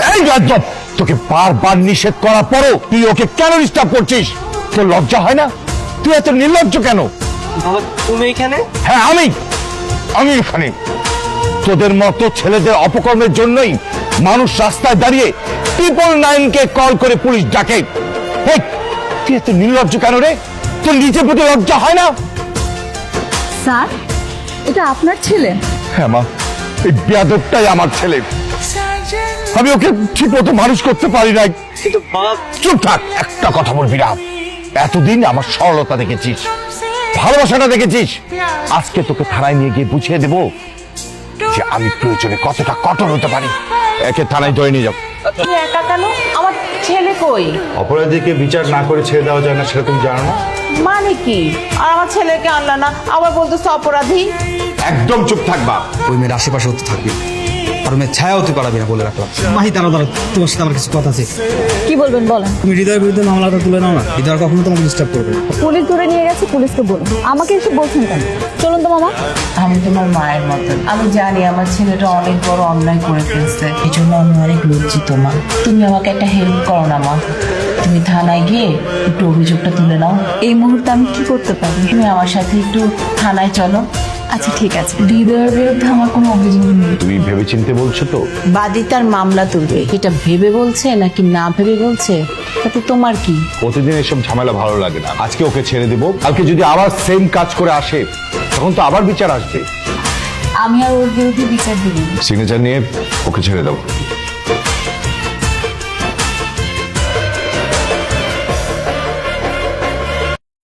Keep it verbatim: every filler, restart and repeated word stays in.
এই গাজব, তোকে বারবার নিষেধ করার পরও তুই ওকে কেন ডিস্টার্ব করছিস? তোর লজ্জা হয় না? তুই এত নির্লজ্জ কেন? বাবা তুমি এখানে? হ্যাঁ আমি আমি এখানে তোদের মতো ছেলেদের অপকর্মের জন্যই মানুষ রাস্তায় দাঁড়িয়ে ট্রিপল নাইন কে কল করে পুলিশ ডাকে। এই, তুই এত নির্লজ্জ কেন রে? তোর নিজের প্রতি লজ্জা হয় না? স্যার, এটা আপনার ছেলে? হ্যাঁ মা, এই বেয়াদবটাই আমার ছেলে। আমি ওকে ঠিক মতো মানুষ করতে পারি নাই। কিন্তু বাবা চুপ থাক, একটা কথা বলবি না। এতদিন আমার সরলতা দেখেছিস, ভালোবাসাটা দেখেছিস, আজকে তোকে থানায় নিয়ে গিয়ে বুঝিয়ে দেবো যে আমি প্রয়োজনে কতটা কঠোর হতে পারি। একে থানায় ধরে নিয়ে যাও। তুমি একা কেন? আমার ছেলে কই? অপরাধীকে বিচার না করে ছেড়ে দেওয়া যায় না, সেটা তুমি জানো না? মানে কি? আর আমার ছেলেকে আনলা না, আবার বলতেছো অপরাধী? একদম চুপ থাকবা। ওই মেয়ের আশেপাশে হতে থাকবি, আর মেয়ের ছায়া হতে পারবি না বলে রাখলাম। মাহি দাঁড়া দাঁড়া, তোমার সাথে আমার কিছু কথা আছে। কি বলবেন বলেন। তুমি হৃদয়ের বিরুদ্ধে মামলাটা তুলে নাও না, হৃদয় কখনো তোমাকে ডিস্টার্ব করবে না। পুলিশ ধরে নিয়ে গেছে, পুলিশকে বলুন। আমাকে এসে বলছেন কেন? চলুন তো মামা। আমি তোমার মায়ের মতন, আমি জানি আমার ছেলেটা অনেক বড় অন্যায় করে ফেলছে, এই জন্য আমি অনেক লজ্জিত মা। তুমি আমাকে একটা হেল্প করো না মা, তুমি থানায় গিয়ে একটু অভিযোগটা তুলে নাও। এই মুহূর্তে আমি কি করতে পারি? তুমি আমার সাথে একটু থানায় চলো। আচ্ছা ঠিক আছে। হৃদয়ের বিরুদ্ধে আমার কোনো অভিযোগ নেই। তুমি ভেবেচিন্তে বলছো তো? বাদী তার মামলা তুলবে, এটা ভেবে বলছে নাকি না ভেবে বলছে তাতে তোমার কি? প্রতিদিন এসব ঝামেলা ভালো লাগে না। আজকে ওকে ছেড়ে দেবো, কালকে যদি আবার সেম কাজ করে আসে তখন তো আবার বিচার আসবে। আমি আর ওর বিরুদ্ধে বিচার দিব। সিগনেচার নিয়ে ওকে ছেড়ে দাও।